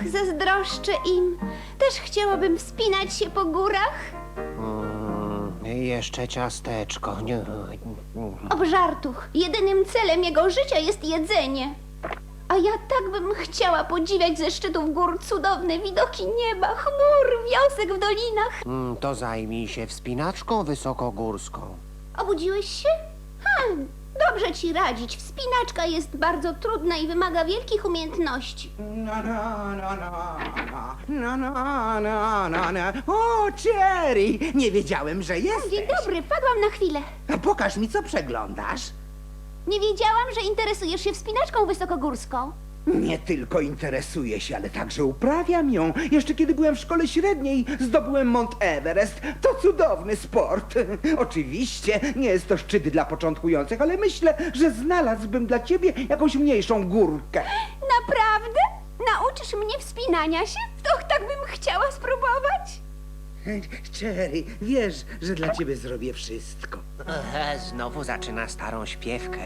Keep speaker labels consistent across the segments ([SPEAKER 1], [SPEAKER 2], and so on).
[SPEAKER 1] tak zazdroszczę im. Też chciałabym wspinać się po górach.
[SPEAKER 2] Jeszcze ciasteczko.
[SPEAKER 1] Ob żartuch. Jedynym celem jego życia jest jedzenie. A ja tak bym chciała podziwiać ze szczytów gór cudowne widoki nieba, chmur, wiosek w dolinach.
[SPEAKER 2] To zajmij się wspinaczką wysokogórską.
[SPEAKER 1] Obudziłeś się? Dobrze ci radzić. Wspinaczka jest bardzo trudna i wymaga wielkich umiejętności.
[SPEAKER 3] O, Cherry! Nie wiedziałem, że jesteś.
[SPEAKER 1] Dzień dobry, wpadłam na chwilę.
[SPEAKER 3] A pokaż mi, co przeglądasz.
[SPEAKER 1] Nie wiedziałam, że interesujesz się wspinaczką wysokogórską.
[SPEAKER 3] Nie tylko interesuję się, ale także uprawiam ją. Jeszcze kiedy byłem w szkole średniej, zdobyłem Mount Everest. To cudowny sport. Oczywiście nie jest to szczyt dla początkujących, ale myślę, że znalazłbym dla ciebie jakąś mniejszą górkę.
[SPEAKER 1] Naprawdę? Nauczysz mnie wspinania się? To tak bym chciała spróbować.
[SPEAKER 3] Cherry, wiesz, że dla ciebie zrobię wszystko.
[SPEAKER 2] Znowu zaczyna starą śpiewkę.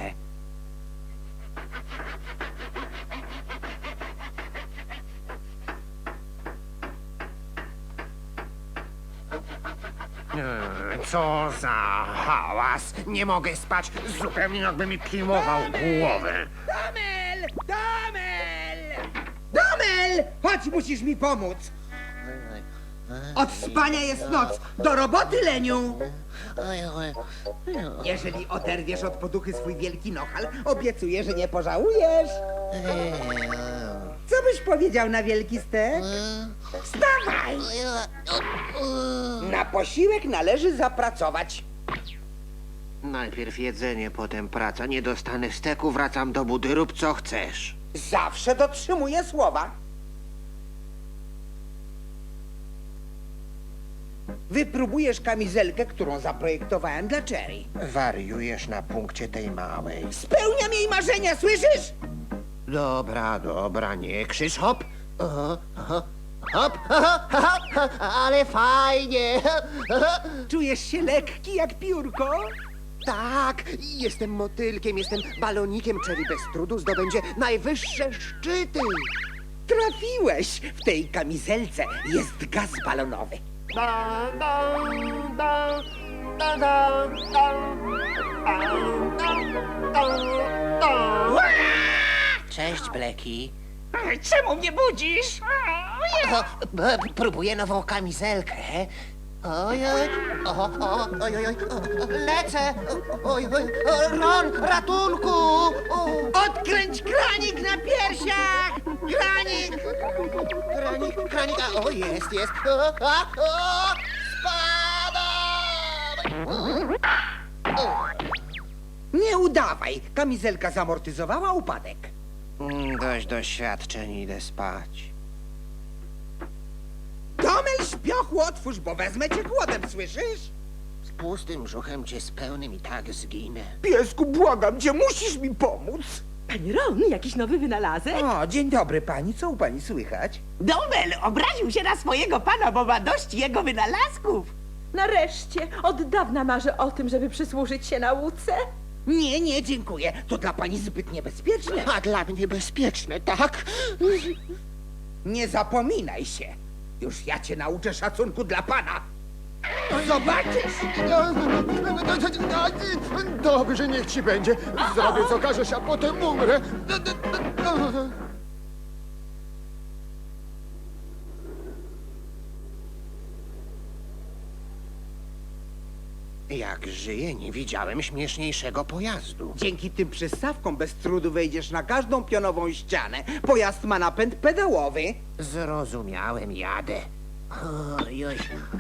[SPEAKER 2] Co za hałas! Nie mogę spać, zupełnie jakby mi klimował głowę.
[SPEAKER 3] Domel! Domel! Domel! Chodź, musisz mi pomóc. Od spania jest noc. Do roboty, leniu! Jeżeli oderwiesz od poduchy swój wielki nohal, obiecuję, że nie pożałujesz. Co byś powiedział na wielki stek? Wstawaj! Na posiłek należy zapracować.
[SPEAKER 2] Najpierw jedzenie, potem praca. Nie dostanę steku, wracam do budy, rób co chcesz.
[SPEAKER 3] Zawsze dotrzymuję słowa. Wypróbujesz kamizelkę, którą zaprojektowałem dla Cherry.
[SPEAKER 2] Wariujesz na punkcie tej małej.
[SPEAKER 3] Spełniam jej marzenia, słyszysz?
[SPEAKER 2] Dobra, nie krzycz, hop. Hop, ale fajnie.
[SPEAKER 3] Czujesz się lekki jak piórko?
[SPEAKER 2] Tak, jestem motylkiem, jestem balonikiem, Cherry bez trudu zdobędzie najwyższe szczyty.
[SPEAKER 3] Trafiłeś! W tej kamizelce jest gaz balonowy.
[SPEAKER 2] Cześć, Bleki.
[SPEAKER 3] Czemu mnie budzisz?
[SPEAKER 2] Próbuję nową kamizelkę. Ojoj, ojoj, lecę. Ojoj, Ron, ratunku!
[SPEAKER 3] Odkręć kranik na piersiach! Kranik!
[SPEAKER 2] Kranik, o jest. Spadam!
[SPEAKER 3] Nie udawaj! Kamizelka zamortyzowała upadek.
[SPEAKER 2] Dość doświadczeń, idę spać.
[SPEAKER 3] Domel, śpiochu, otwórz, bo wezmę cię głodem, słyszysz?
[SPEAKER 2] Z pustym brzuchem cię spełnym i tak zginę.
[SPEAKER 3] Piesku, błagam cię, musisz mi pomóc.
[SPEAKER 4] Pani Ron, jakiś nowy wynalazek?
[SPEAKER 3] O, dzień dobry pani, co u pani słychać?
[SPEAKER 5] Domel obraził się na swojego pana, bo ma dość jego wynalazków.
[SPEAKER 4] Nareszcie, od dawna marzę o tym, żeby przysłużyć się nauce.
[SPEAKER 3] Nie, dziękuję. To dla pani zbyt niebezpieczne.
[SPEAKER 2] A dla mnie bezpieczne, tak?
[SPEAKER 3] Nie zapominaj się. Już ja cię nauczę szacunku dla pana. Zobaczysz!
[SPEAKER 6] Dobrze, niech ci będzie. Zrobię co każesz, a potem umrę.
[SPEAKER 2] Jak żyję, nie widziałem śmieszniejszego pojazdu.
[SPEAKER 3] Dzięki tym przystawkom bez trudu wejdziesz na każdą pionową ścianę. Pojazd ma napęd pedałowy.
[SPEAKER 2] Zrozumiałem, jadę. Ojoj.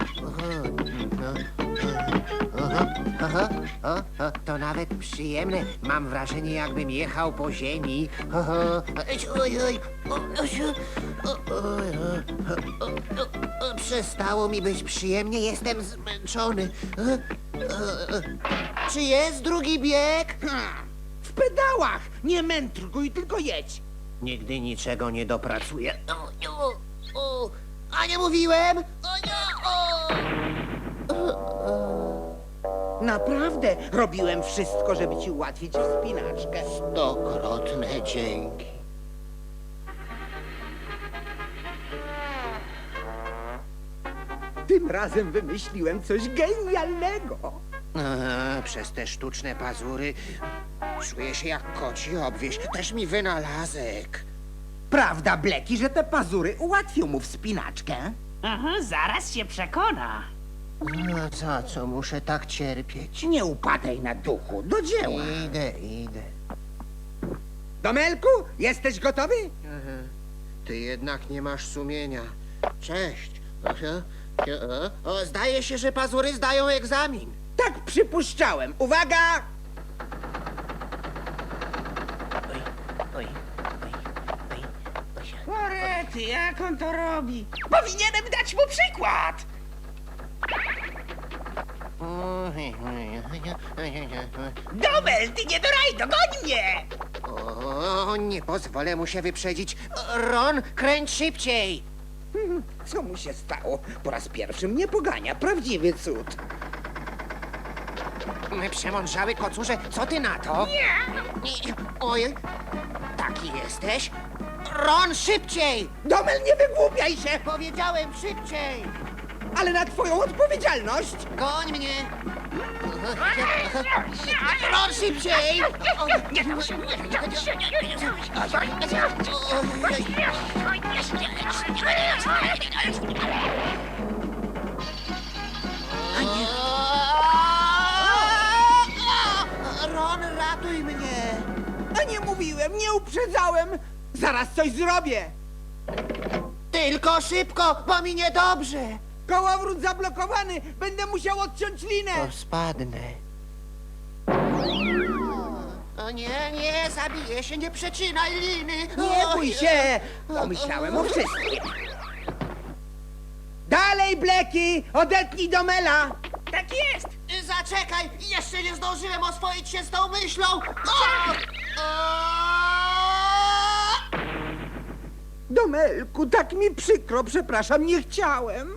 [SPEAKER 2] To nawet przyjemne. Mam wrażenie, jakbym jechał po ziemi. Ojoj. Przestało mi być przyjemnie, jestem zmęczony. Czy jest drugi bieg?
[SPEAKER 3] W pedałach! Nie mędrkuj, tylko jedź.
[SPEAKER 2] Nigdy niczego nie dopracuję. A nie mówiłem?
[SPEAKER 3] Naprawdę, robiłem wszystko, żeby ci ułatwić wspinaczkę.
[SPEAKER 2] Stokrotne dzięki.
[SPEAKER 3] Tym razem wymyśliłem coś genialnego.
[SPEAKER 2] Przez te sztuczne pazury czuję się jak koci obwieś. Też mi wynalazek.
[SPEAKER 3] Prawda, Bleki, że te pazury ułatwią mu wspinaczkę?
[SPEAKER 5] Aha, zaraz się przekona.
[SPEAKER 2] No co, muszę tak cierpieć?
[SPEAKER 3] Nie upadaj na duchu, do dzieła.
[SPEAKER 2] Idę.
[SPEAKER 3] Domelku, jesteś gotowy?
[SPEAKER 2] Ty jednak nie masz sumienia. Cześć. Zdaje się, że pazury zdają egzamin.
[SPEAKER 3] Tak przypuszczałem. Uwaga!
[SPEAKER 5] Orety, jak on to robi? Powinienem dać mu przykład. Dobel, ty nie doraj, dogoń mnie!
[SPEAKER 2] O, nie pozwolę mu się wyprzedzić. Ron, kręć szybciej.
[SPEAKER 3] Co mu się stało? Po raz pierwszy mnie pogania. Prawdziwy cud.
[SPEAKER 2] Przemądrzały kocurze, co ty na to? Nie. Oj, taki jesteś? Ron, szybciej!
[SPEAKER 3] Domel, nie wygłupiaj się!
[SPEAKER 2] Powiedziałem szybciej!
[SPEAKER 3] Ale na twoją odpowiedzialność!
[SPEAKER 2] Goń mnie! Ron, szybciej! Ron, ratuj mnie!
[SPEAKER 3] A nie mówiłem, nie uprzedzałem! Zaraz coś zrobię!
[SPEAKER 2] Tylko szybko, bo mi niedobrze!
[SPEAKER 3] Kołowrót zablokowany! Będę musiał odciąć linę!
[SPEAKER 2] Spadnę. O nie, zabiję się, nie przecinaj liny!
[SPEAKER 3] Nie bój się! Pomyślałem o wszystkim. Dalej, Bleki! Odetnij Domela!
[SPEAKER 5] Tak jest!
[SPEAKER 2] Zaczekaj, jeszcze nie zdążyłem oswoić się z tą myślą!
[SPEAKER 3] Domelku, tak mi przykro, przepraszam, nie chciałem.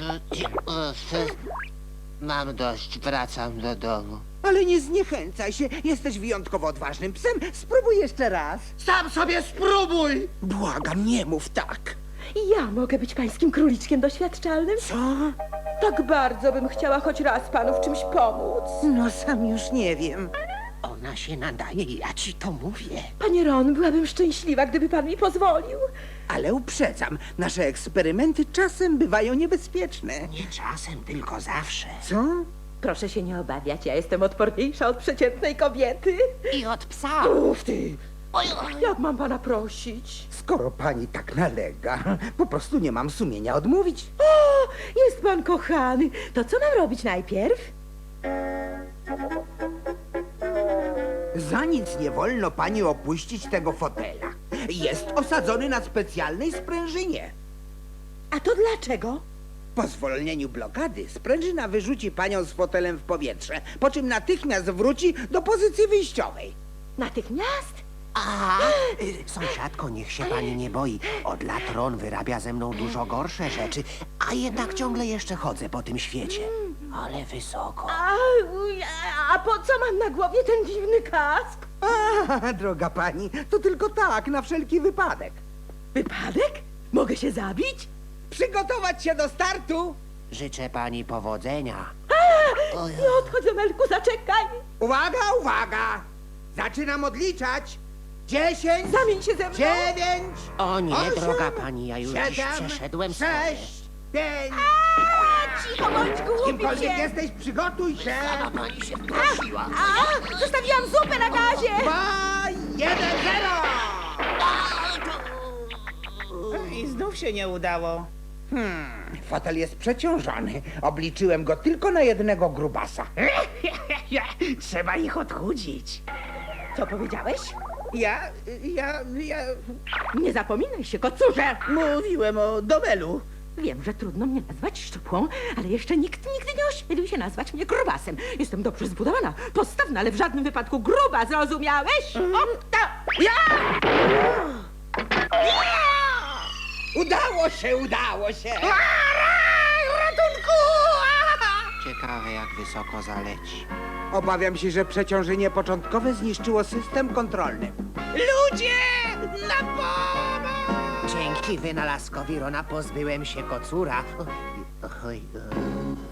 [SPEAKER 2] Mam dość, wracam do domu.
[SPEAKER 3] Ale nie zniechęcaj się, jesteś wyjątkowo odważnym psem. Spróbuj jeszcze raz.
[SPEAKER 2] Sam sobie spróbuj!
[SPEAKER 3] Błagam, nie mów tak.
[SPEAKER 4] Ja mogę być pańskim króliczkiem doświadczalnym?
[SPEAKER 3] Co?
[SPEAKER 4] Tak bardzo bym chciała choć raz panu w czymś pomóc.
[SPEAKER 3] No sam już nie wiem.
[SPEAKER 2] Ona się nadaje, ja ci to mówię.
[SPEAKER 4] Panie Ron, byłabym szczęśliwa, gdyby pan mi pozwolił.
[SPEAKER 3] Ale uprzedzam, nasze eksperymenty czasem bywają niebezpieczne.
[SPEAKER 2] Nie czasem, tylko zawsze.
[SPEAKER 3] Co?
[SPEAKER 4] Proszę się nie obawiać, ja jestem odporniejsza od przeciętnej kobiety.
[SPEAKER 2] I od psa.
[SPEAKER 3] Uf ty!
[SPEAKER 4] Jak mam pana prosić?
[SPEAKER 3] Skoro pani tak nalega, po prostu nie mam sumienia odmówić.
[SPEAKER 4] O, jest pan kochany. To co mam robić najpierw?
[SPEAKER 3] Za nic nie wolno pani opuścić tego fotela. Jest osadzony na specjalnej sprężynie.
[SPEAKER 4] A to dlaczego?
[SPEAKER 3] Po zwolnieniu blokady sprężyna wyrzuci panią z fotelem w powietrze, po czym natychmiast wróci do pozycji wyjściowej.
[SPEAKER 4] Natychmiast?
[SPEAKER 2] Sąsiadko, niech się pani nie boi. Od lat Ron wyrabia ze mną dużo gorsze rzeczy, a jednak ciągle jeszcze chodzę po tym świecie. Ale wysoko.
[SPEAKER 4] A po co mam na głowie ten dziwny kask?
[SPEAKER 3] A, droga pani, to tylko tak, na wszelki wypadek.
[SPEAKER 4] Wypadek? Mogę się zabić?
[SPEAKER 3] Przygotować się do startu!
[SPEAKER 2] Życzę pani powodzenia.
[SPEAKER 4] Nie odchodź, Domelku, zaczekaj.
[SPEAKER 3] Uwaga, uwaga! Zaczynam odliczać. 10,
[SPEAKER 4] Zamień się ze mną.
[SPEAKER 3] 9,
[SPEAKER 2] O nie,
[SPEAKER 3] 8,
[SPEAKER 2] droga pani, ja już dziś
[SPEAKER 3] 7,
[SPEAKER 2] przeszedłem
[SPEAKER 3] 6,
[SPEAKER 2] sobie.
[SPEAKER 3] 5.
[SPEAKER 4] Cicho bądź
[SPEAKER 3] Kimkolwiek
[SPEAKER 4] głupie.
[SPEAKER 3] jesteś, przygotuj się.
[SPEAKER 2] Pani się prosiła.
[SPEAKER 4] Zostawiłam zupę na gazie.
[SPEAKER 3] 2, 1, 0.
[SPEAKER 5] I znów się nie udało.
[SPEAKER 3] Fotel jest przeciążony. Obliczyłem go tylko na jednego grubasa.
[SPEAKER 5] Trzeba ich odchudzić.
[SPEAKER 4] Co powiedziałeś?
[SPEAKER 5] Ja...
[SPEAKER 4] Nie zapominaj się, kocurze.
[SPEAKER 5] Mówiłem o Dobelu.
[SPEAKER 4] Wiem, że trudno mnie nazwać szczupłą, ale jeszcze nikt nigdy nie ośmielił się nazwać mnie grubasem. Jestem dobrze zbudowana, postawna, ale w żadnym wypadku gruba, zrozumiałeś?
[SPEAKER 3] Udało się, udało się.
[SPEAKER 2] Ciekawe, jak wysoko zaleci.
[SPEAKER 3] Obawiam się, że przeciążenie początkowe zniszczyło system kontrolny.
[SPEAKER 5] Ludzie! Na pomoc!
[SPEAKER 2] Dzięki Dzięki wynalazkowi Rona pozbyłem się kocura. Oj, oj, oj.